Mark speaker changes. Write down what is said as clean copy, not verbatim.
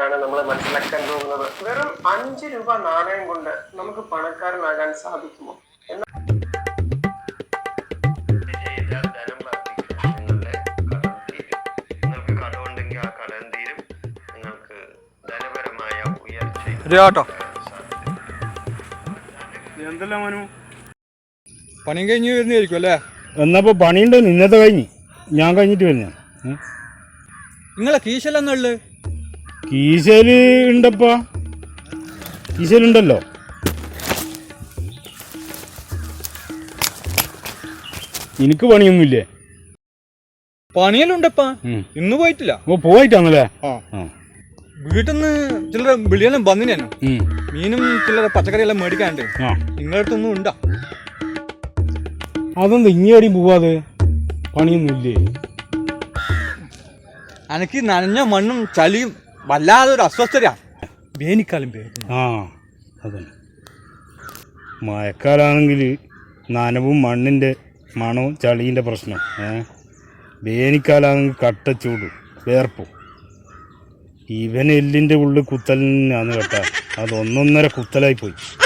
Speaker 1: ആണ് നമ്മൾ മനസ്സിലാക്കാൻ പോകുന്നത്. വെറും 5 രൂപ നാണയം കൊണ്ട് നമുക്ക് പണക്കാരനാകാൻ സാധിക്കുമോ? നിങ്ങൾക്ക് കടമുണ്ടെങ്കിൽ ആ കടം തീരും. നിങ്ങൾക്ക് ധനപരമായ ഉയർച്ച.
Speaker 2: എന്തെല്ലാം മനു
Speaker 3: പണിയും കഴിഞ്ഞ് വരുന്നതായിരിക്കും അല്ലേ?
Speaker 2: എന്നപ്പോൾ പണിയുണ്ട്, ഇന്നത്തെ കഴിഞ്ഞ് ഞാൻ കഴിഞ്ഞിട്ട് വരുന്ന.
Speaker 3: നിങ്ങളെ കീശല്ലെന്നുള്ളത്
Speaker 2: കീശല് ഉണ്ടപ്പാ, കീശലുണ്ടല്ലോ. എനിക്ക് പണിയൊന്നുമില്ലേ?
Speaker 3: പണിയെല്ലാം ഉണ്ടപ്പാ, ഇന്ന് പോയിട്ടില്ല.
Speaker 2: ഓ പോയിട്ടാണല്ലേ?
Speaker 3: വീട്ടിൽ നിന്ന് ചിലർ വിളിയെല്ലാം വന്നിനു. മീനും ചിലർ പച്ചക്കറിയെല്ലാം മേടിക്കാനുണ്ട്. നിങ്ങളടുത്തൊന്നും ഉണ്ടോ?
Speaker 2: അതെന്താ ഇങ്ങേടി പോവാതെ? പണിയൊന്നുമില്ലേ?
Speaker 3: എനിക്ക് നനഞ്ഞ മണ്ണും ചളിയും വല്ലാതെ ഒരു അസ്വസ്ഥതയാ. വേനിക്കാലം പേര്.
Speaker 2: അതന്നെ, മഴക്കാലാണെങ്കിൽ നനവും മണ്ണിൻ്റെ മണവും ചളീൻ്റെ പ്രശ്നം. വേനിക്കാലാണെങ്കിൽ കട്ടച്ചൂട് വേർപ്പും. ഇവൻ എല്ലിൻ്റെ ഉള്ളിൽ കുത്തലിനാന്ന് കേട്ടാ, അത് 1.5 കുത്തലായി പോയി.